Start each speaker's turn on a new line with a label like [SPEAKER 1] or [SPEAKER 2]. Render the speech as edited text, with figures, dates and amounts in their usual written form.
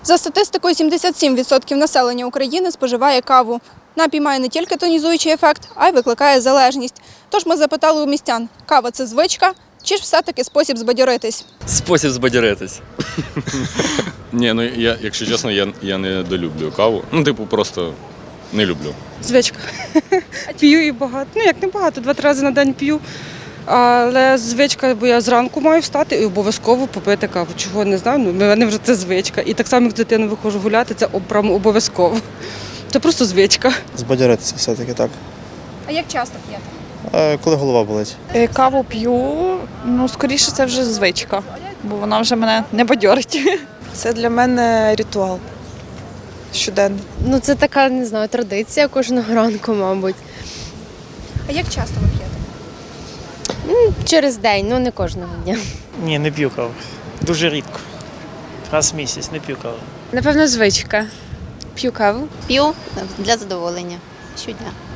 [SPEAKER 1] За статистикою, 77% населення України споживає каву. Напій має не тільки тонізуючий ефект, а й викликає залежність. Тож ми запитали у містян, кава – це звичка чи ж все-таки спосіб збадьоритись?
[SPEAKER 2] Спосіб збадьоритись.
[SPEAKER 3] Ні, ну якщо чесно, я не долюблю каву. Ну, типу, просто не люблю.
[SPEAKER 4] Звичка. П'ю і багато. Ну, як не багато, 2-3 рази на день п'ю. Але звичка, бо я зранку маю встати і обов'язково попити каву. Чого не знаю, ну, в мене вже це звичка. І так само, як з дитиною виходжу гуляти, це прямо обов'язково. Це просто звичка.
[SPEAKER 5] Збадьоритися все-таки так.
[SPEAKER 1] А як часто п'єте?
[SPEAKER 5] Коли голова болить.
[SPEAKER 6] Каву п'ю, ну, скоріше це вже звичка, бо вона вже мене не бадьорить.
[SPEAKER 7] Це для мене ритуал щоденний.
[SPEAKER 8] Ну, це така, не знаю, традиція кожного ранку, мабуть.
[SPEAKER 1] А як часто ви п'єте?
[SPEAKER 8] Через день, ну не кожного дня.
[SPEAKER 9] Ні, не п'ю каву. Дуже рідко. Раз в місяць не п'ю каву.
[SPEAKER 8] Напевно, звичка. П'ю каву.
[SPEAKER 10] П'ю для задоволення щодня.